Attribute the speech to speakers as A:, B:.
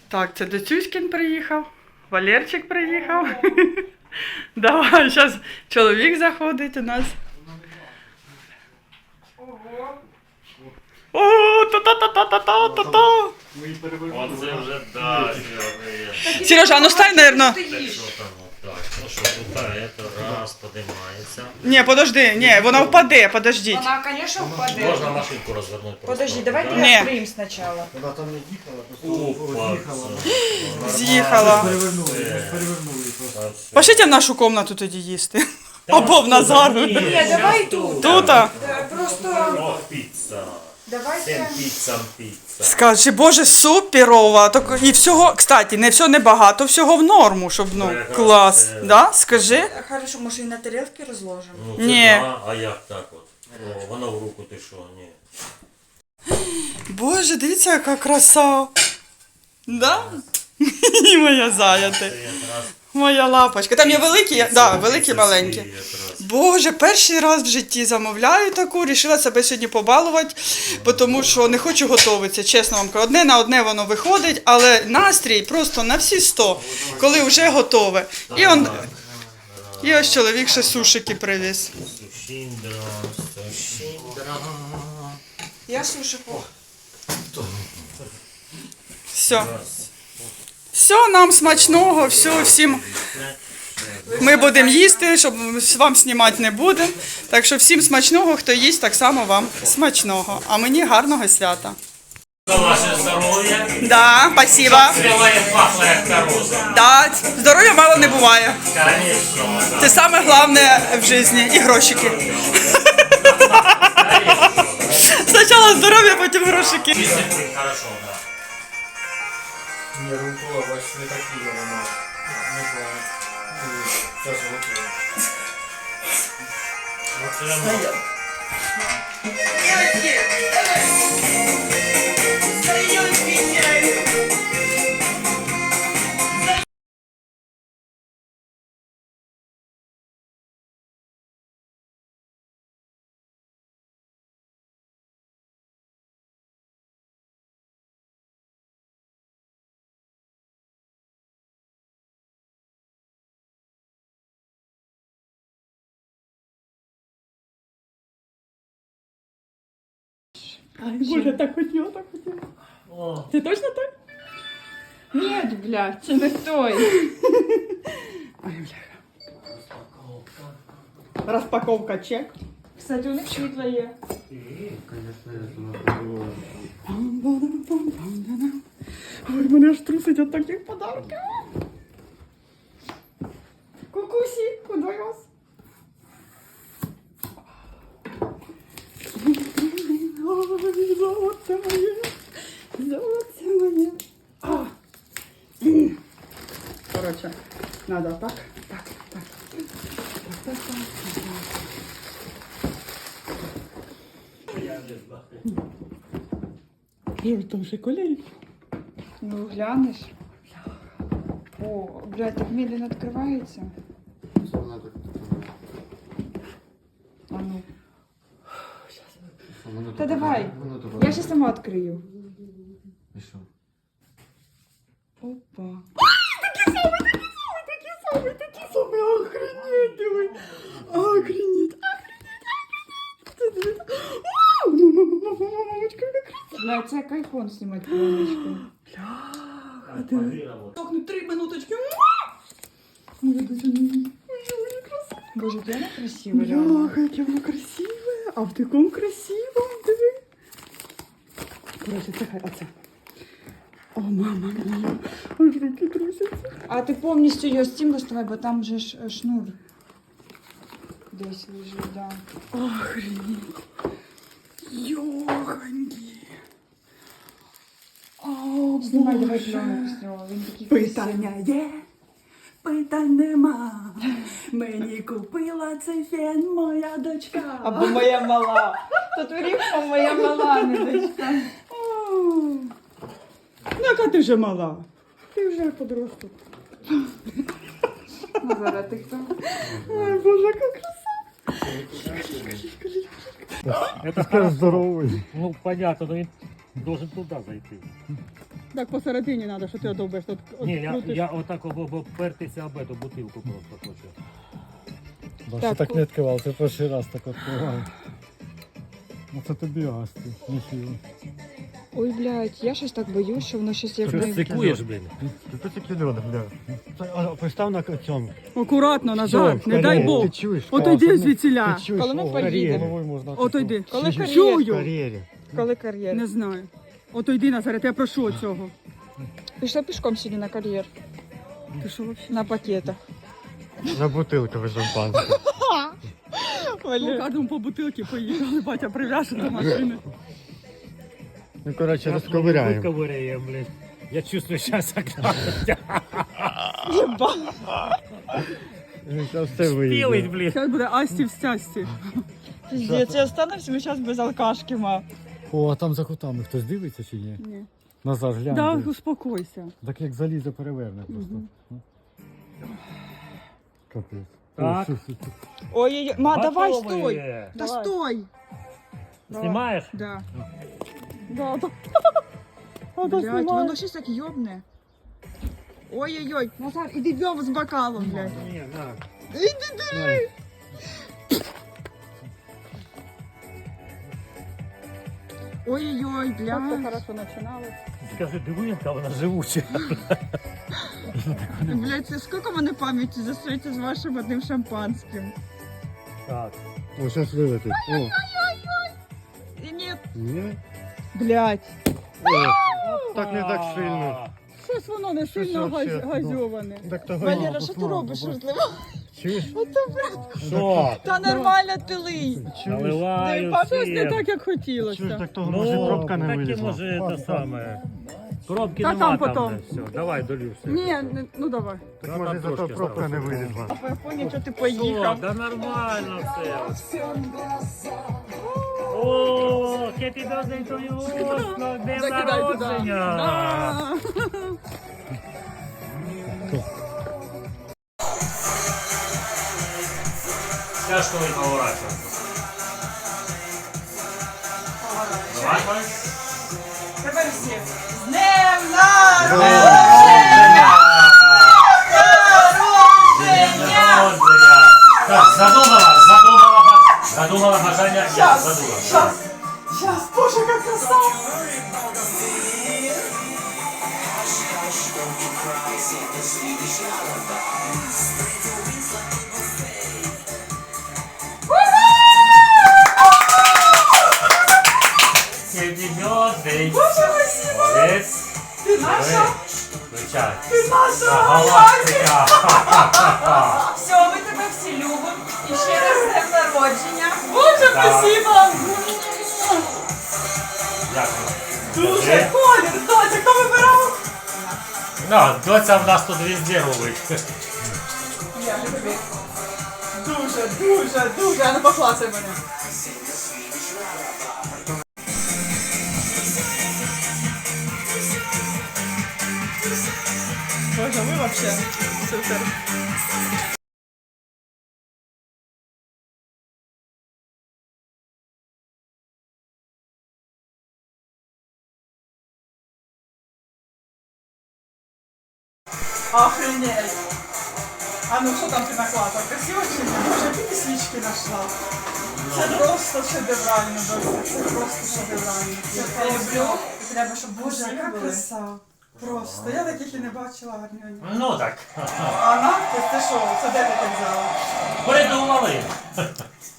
A: Так, це Доцюськін приїхав, Валерчик приїхав. Давай, зараз чоловік заходить у нас. О, та-та-та-та-та-та-та.
B: Оце вже, да,
A: Сережа, а ну стань, наверное.
B: що там, отак. Ну що, тут, це раз, подимається.
A: Ні, подожди, ні, вона впаде, подождіть.
C: Вона, конечно, впаде.
B: Можна машинку розвернути просто.
C: Подожди, давайте
A: Ні.
C: я откроем сначала.
D: Вона там не їхала, просто
B: Опа,
D: з'їхала.
A: З'їхала.
D: Перевернули просто.
A: Пошліть в нашу кімнату тоді їсти. Або в Назару.
C: Ні, давай тут.
A: Тута.
C: Просто
B: О, піца.
C: давайте.
B: Піца.
A: Скажи, боже, суперова. Так, і всього, кстати, не все небагато, всього в норму, щоб, ну,
B: Якраз
A: клас.
B: це-
A: Да? Скажи.
C: Хорошо, може і на тарілки розложимо.
B: Ну, це
A: Ні.
B: да, а як так от? О, воно в руку ти що, ні.
A: Боже, дивіться, яка краса. Да? І моя заяти.
B: Це якраз
A: Моя лапочка. Там є великі, да, великі, маленькі.
B: якраз.
A: Боже, перший раз в житті замовляю таку, рішила себе сьогодні побалувати, тому що не хочу готуватися, чесно вам кажу. Одне на одне воно виходить, але настрій просто на всі 100, коли вже готове. І ось чоловік ще сушики привіз.
B: Сушіндра.
C: Я суші по.
A: Все. Все, нам смачного, все, всім. Ми будемо їсти, щоб вам знімати не будемо. Так що всім смачного, хто їсть, так само вам смачного. А мені гарного свята.
B: За ваше здоров'я.
A: Да, спасибо.
B: Співає пахло як короза.
A: Да, здоров'я мало не буває.
B: Конечно.
A: Це саме головне в житті. І грошики. Спочатку здоров'я, потім грошики.
B: Дисциплін, хорошо, да.
D: Ні, рукола, бачиш, не такі вона. Не знаю. Зараз готова.
B: Оце
A: Боже, так хотіла, так хотіла. Це точно той?
C: Ні, бля, це не той.
A: Ой, бляха. Розпаковка чек.
C: Кстати, у них світло є.
A: Ой, мене аж трусить від таких подарунків.
C: Кукусі, куди вас?
A: Ой, золоце моє. Золоце моє. Короче, надо так, так, так. Так, так, так, так. Ой, там шоколей.
C: Ну, глянеш. О, блядь, так медленно відкривається.
D: Вона так.
C: А ну.
D: Вона
C: Та давай.
D: Вона так.
C: Я ще сама відкрию.
D: І що?
C: Опа.
A: Такі самі, охренеть, диви. Охренеть, охренеть. Мамочка, яка краса.
C: Бля, це як айфон знімати пленочку.
A: Бляха, диви. Сохнуть 3 минуточки. Моя доча, ой, краса.
C: Боже, вона красива, реально.
A: Бляха, яке воно красиве. А в такому красивому, диви. Короче, це хай, оце. О, мама мія, аж руки трусяться.
C: А ти повністю його з цим доставай, бо там же ж шнур десь лежить, да.
A: Охренеть. Йоханьки. О,
C: Знімай, давай
A: Боже.
C: пленку з нього, він такий
A: Питання є, питань нема. Мені купила цей фен моя дочка.
C: або моя мала. Тут рівка моя мала, не дочка.
A: О, ну, яка ти вже мала? Ти вже подросток.
C: Назара, ти хто?
A: Ой, Боже, яка краса.
B: Это скажешь здоровый. Ну, понятно, но Должен туди зайти.
A: Так посередині треба, що ти одовбиш. Тут
B: Ні, я отак обпертися об эту бутилку просто хочу.
D: Бо так не відкривав, це перший раз так відкриваю. Ну це тобі асти, ніхіло.
C: Ой, блядь, я щось так боюсь, що воно щось як не...
B: Стикуєш, блін?
D: Ти тільки льод, бля. Постав на цьому.
A: Акуратно назад, не дай Бог.
D: Ти чуєш?
A: Ото йди звідсіля.
D: Ти чуєш?
C: Коли ми
D: О,
C: поїдемо.
D: головою можна.
A: Ото йди.
C: Коли
D: В
C: кар'єр?
D: кар'єрі.
C: Коли кар'єр?
A: Не знаю. Ото йди, Назарет, я прошу цього.
C: Пішла пішком сьогодні на кар'єр.
A: Ти що взагалі?
C: На пакетах.
D: На бутилкове шампанське.
A: Ну, кожному по бутилки поїхали, батя прив'яже до машини.
D: Ну, коротше, розковиряємо.
B: Розковиряємо, блін. Я чувствую, зараз окна.
D: Зараз все
B: Пілить,
D: вийде.
B: блін.
A: Зараз буде Асті в стясті.
C: Піздець, я останемося, ми зараз без алкашки, ма.
D: О, а там за кутами хтось дивиться чи ні?
A: Ні.
D: Назад глянь.
A: Да,
D: диви.
A: успокойся.
D: Так як залізо переверне просто. Капець.
B: Так.
D: О, все.
C: Ой, ма, давай,
B: Готові.
C: стой. Та стой.
B: Знімаєш?
A: Да. Да, да.
C: Блядь, воно щось так йобне. Ой-ой-ой, Назар, іди бьом з бокалом, блядь.
B: Ні, на.
C: Іди держи. Ой-ой-ой, блядь.
A: хорошо починалось.
B: Скажи, диви, яка вона живуча.
C: Блядь, це скільки мене пам'яті засується з вашим одним шампанським.
B: Так.
D: О, зараз вилетить. О,
C: І ні,
D: ні?
C: блядь.
D: О, так не так сильно.
A: Щось воно не
D: Щось
A: сильно
D: вообще,
A: газьоване.
D: Так того
C: Валера, що ти робиш, шутливо?
D: Чуєш?
B: Що?
C: Та нормально ти лий.
B: Наливаю
A: Щось не так, як
D: Чуєш,
A: хотілося.
D: так того може пробка не
B: так і
D: вилізла.
B: може те саме. Пробки
A: Та
B: нема
A: там
B: там.
A: потом.
B: Все, давай, долю все.
A: Ні, ну давай.
D: Так
B: Ну,
D: може
B: там
D: зато
B: трошки
D: пробка не
B: осталось.
D: вилізла.
C: Я поняв, що ти
B: Що,
C: поїхав.
B: да нормально все. О, happy birthday to you, Оскар, днем
A: Закидай туди.
B: народження.
A: Да.
B: Тяжко і поворачувати. Давай.
C: Тепер всі. З днем народження!
B: Народження. Так, задумала бажання. Ні, задумала.
C: Щас, боже, як красава!
B: Happy birthday.
C: Боже, спасибо!
B: Молодець.
C: Ти наша?
B: Включай.
C: Ти наша!
B: Галактика.
C: Все, ми тебе всі любимо. І ще раз з днем народження. Боже, спасибо!
B: Дякую.
C: Дуже колір, доця, хто вибирав?
B: Ну, доця в нас тут везде робить.
C: Я тобі. Дуже, дуже, дуже. А ну поклацай мене. Боже, ви вообще супер. Охренеть. А ну що там ти наклала? Красиво чи ні? Боже, які ти свічки знайшла? Це просто шедеврально, Дося. Це просто шедеврально. Я люблю. Треба, щоб Боже, яка краса. Просто. Я таких і не бачила гарні.
B: Ну так.
C: А надпис, ти що? Це де ти так взяла?
B: Придумали.